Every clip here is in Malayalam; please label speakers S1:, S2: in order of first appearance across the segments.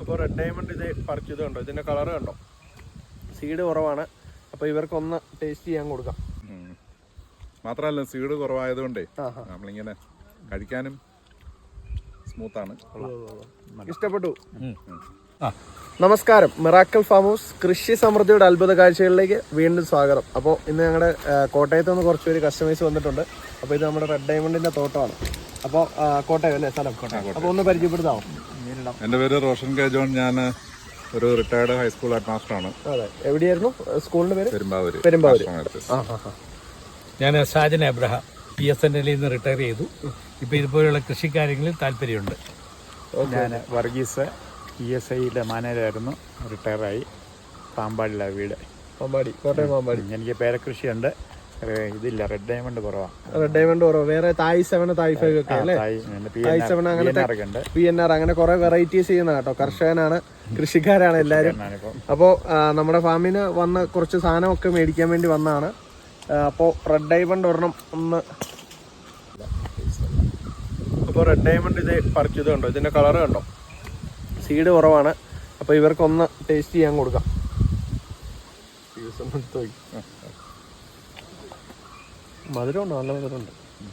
S1: അപ്പോൾ റെഡ് ഡയമണ്ട് ഇത് പറിച്ചത് കണ്ടോ, ഇതിൻ്റെ കളറ് കണ്ടോ, സീഡ് കുറവാണ്. അപ്പോൾ ഇവർക്കൊന്ന് ടേസ്റ്റ് ചെയ്യാൻ കൊടുക്കാം.
S2: മാത്രമല്ല സീഡ് കുറവായതുകൊണ്ടേ നമ്മളിങ്ങനെ കഴിക്കാനും സ്മൂത്താണ്.
S1: ഇഷ്ടപ്പെട്ടു. നമസ്കാരം, മിറാക്കിൾ ഫാം ഹൗസ് കൃഷി സമൃദ്ധിയുടെ അത്ഭുത കാഴ്ചകളിലേക്ക് വീണ്ടും സ്വാഗതം. അപ്പോൾ ഇന്ന് ഞങ്ങളുടെ കോട്ടയത്ത് നിന്ന് കുറച്ച് പേര് കസ്റ്റമേഴ്സ് വന്നിട്ടുണ്ട്. അപ്പോൾ ഇത് നമ്മുടെ റെഡ് ഡയമണ്ടിൻ്റെ തോട്ടമാണ്. അപ്പോൾ കോട്ടയം അല്ലേ സ്ഥലം? അപ്പോൾ ഒന്ന് പരിചയപ്പെടുത്താമോ?
S2: എൻ്റെ പേര് റോഷൻ കെ ജോൺ. ഞാൻ ഒരു റിട്ടയർഡ് ഹൈസ്കൂൾ ഹെഡ് മാസ്റ്ററാണ്.
S1: അതെ, എവിടെയായിരുന്നു സ്കൂളിൻ്റെ പേര്?
S2: പെരുമ്പാവൂർ.
S3: ഞാൻ സാജൻ അബ്രഹാം, PSNL നിന്ന് റിട്ടയർ ചെയ്തു. ഇപ്പോൾ ഇതുപോലെയുള്ള കൃഷിക്കാര്യങ്ങളിൽ താല്പര്യമുണ്ട്.
S4: ഞാൻ വർഗീസ്, ESIയിലെ മാനേജറായിരുന്നു, റിട്ടയറായി. പാമ്പാടിയിലാണ് വീട്.
S1: പാമ്പാടി, കോട്ടയം പാമ്പാടി.
S4: എനിക്ക് പേരക്കൃഷിയുണ്ട്. ഇതില്ല, റെഡ് ഡയമണ്ട് കുറവാണ്.
S1: റെഡ് ഡയമണ്ട് കുറവ്. വേറെ തായ് 7, തായ് 5 ഒക്കെ അല്ലേ? തായ് 7 അങ്ങനത്തെ PNR അങ്ങനെ കുറെ വെറൈറ്റീസ് ചെയ്യുന്ന കേട്ടോ. കർഷകനാണ്, കൃഷിക്കാരാണ് എല്ലാവരും. അപ്പോൾ നമ്മുടെ ഫാമിന് വന്ന് കുറച്ച് സാധനമൊക്കെ മേടിക്കാൻ വേണ്ടി വന്നതാണ്. അപ്പോൾ റെഡ് ഡയമണ്ട് ഒരെണ്ണം ഒന്ന്. അപ്പോൾ റെഡ് ഡയമണ്ട് ഇത് പറിച്ചത് കണ്ടോ, ഇതിൻ്റെ കളറ് കണ്ടോ, സീഡ് കുറവാണ്. അപ്പോൾ ഇവർക്കൊന്ന് ടേസ്റ്റ് ചെയ്യാൻ കൊടുക്കാം. മധുരമുണ്ട്, നല്ല മധുരമുണ്ട്.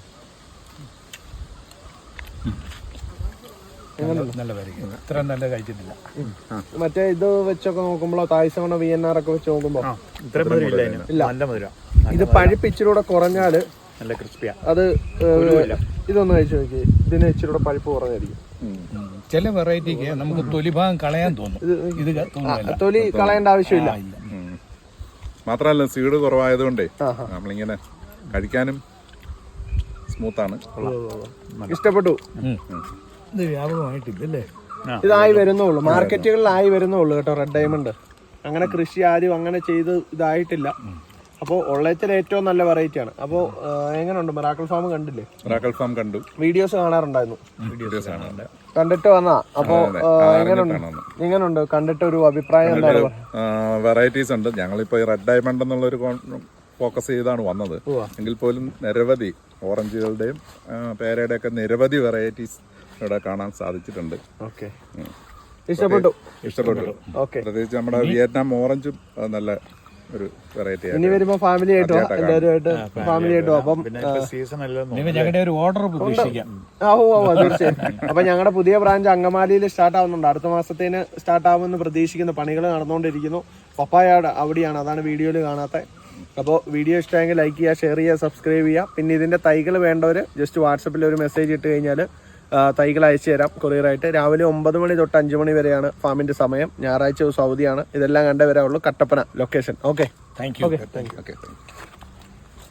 S3: നല്ല പരിഗണന, ഇത്ര നല്ല കഴിച്ചിട്ടില്ല.
S1: മറ്റേ ഇത് വെച്ചൊക്കെ നോക്കുമ്പോൾ തായ് 7 VNR ഒക്കെ വെച്ച് നോക്കുമ്പോൾ
S4: ഇത്ര മധുരം ഇല്ല. നല്ല മധുരം.
S1: ഇത് പഴുപ്പിച്ചിലൂടെ കുറഞ്ഞാല്
S4: നല്ല ക്രിസ്പിയാ.
S1: അത് ഇതൊന്ന് കഴിച്ചു നോക്കി, ഇതിന് ഇച്ചിരി കൂടെ പഴുപ്പ് കുറഞ്ഞായിരിക്കും.
S3: ചില വെറൈറ്റിക്ക് നമുക്ക് തൊലിഭാഗം കളയാൻ തോന്നും, ഇത്
S1: തൊലി കളയേണ്ട ആവശ്യമില്ല.
S2: മാത്രമല്ല സീഡ് കുറവായതുകൊണ്ടേ നമ്മളിങ്ങനെ കഴിക്കാനും സ്മൂത്താണ്.
S1: ഇഷ്ടപ്പെട്ടു.
S3: ഇത് വ്യാപകമായിട്ടില്ലല്ലേ?
S1: ഇതായി വരുന്നുള്ളൂ, മാർക്കറ്റുകളിലായി വരുന്നുള്ളൂ കേട്ടോ റെഡ് ഡയമണ്ട്. അങ്ങനെ കൃഷി ആരും അങ്ങനെ ചെയ്ത് ഇതായിട്ടില്ല. അപ്പോൾ ഉള്ളതിൽ ഏറ്റവും നല്ല വെറൈറ്റി ആണ്. അപ്പോൾ എങ്ങനെയുണ്ട് മിറാക്കിൾ ഫാം? കണ്ടില്ലേ?
S2: മിറാക്കിൾ ഫാം കണ്ടു,
S1: വീഡിയോസ് കാണാറുണ്ടായിരുന്നു. കണ്ടിട്ട് വന്നാ. അപ്പോൾ എങ്ങനെയുണ്ട് കണ്ടിട്ട് ഒരു അഭിപ്രായം എന്താണ്?
S2: വെറൈറ്റീസ് ഉണ്ട്. ഞങ്ങളിപ്പോ ഈ റെഡ് ഡയമണ്ട് എന്നുള്ളൊരു ഫോക്കസ് ചെയ്താണ് വന്നത്. എങ്കിൽ പോലും നിരവധി ഓറഞ്ചുകളുടെയും പേരയുടെ ഒക്കെ നിരവധി വെറൈറ്റീസ് ഇവിടെ കാണാൻ സാധിച്ചിട്ടുണ്ട്.
S1: ഇഷ്ടപ്പെട്ടു.
S2: പ്രത്യേകിച്ച് നമ്മുടെ വിയറ്റ്നാം ഓറഞ്ചും നല്ല ഒരു വെറൈറ്റി.
S1: ഇനി വരുമ്പോ ഫാമിലി ആയിട്ടോ എല്ലാവരുമായിട്ട് ഫാമിലി ആയിട്ടോ. അപ്പം
S3: ഞങ്ങളുടെ ഒരു ഓർഡർ പ്രതീക്ഷിക്കാം.
S1: തീർച്ചയായും. അപ്പൊ ഞങ്ങളുടെ പുതിയ ബ്രാഞ്ച് അങ്കമാലിയിൽ സ്റ്റാർട്ട് ആവുന്നുണ്ട്. അടുത്ത മാസത്തേന് സ്റ്റാർട്ട് ആവുമെന്ന് പ്രതീക്ഷിക്കുന്നു. പണികൾ നടന്നുകൊണ്ടിരിക്കുന്നു. പപ്പായ അവിടെയാണ്, അതാണ് വീഡിയോയിൽ കാണാത്ത. അപ്പോൾ വീഡിയോ ഇഷ്ടമെങ്കിൽ ലൈക്ക് ചെയ്യുക, ഷെയർ ചെയ്യുക, സബ്സ്ക്രൈബ് ചെയ്യുക. പിന്നെ ഇതിന്റെ തൈകൾ വേണ്ടവർ ജസ്റ്റ് വാട്സപ്പിൽ ഒരു മെസ്സേജ് ഇട്ട് കഴിഞ്ഞാൽ തൈകൾ അയച്ചു തരാം കൊറിയറായിട്ട്. രാവിലെ 9 മണി തൊട്ട് 5 മണി വരെയാണ് ഫാമിന്റെ സമയം. ഞായറാഴ്ച ദിവസം അവധിയാണ്. ഇതെല്ലാം കണ്ടേ വരാവുള്ളൂ. Kattappana location. Okay, thank U.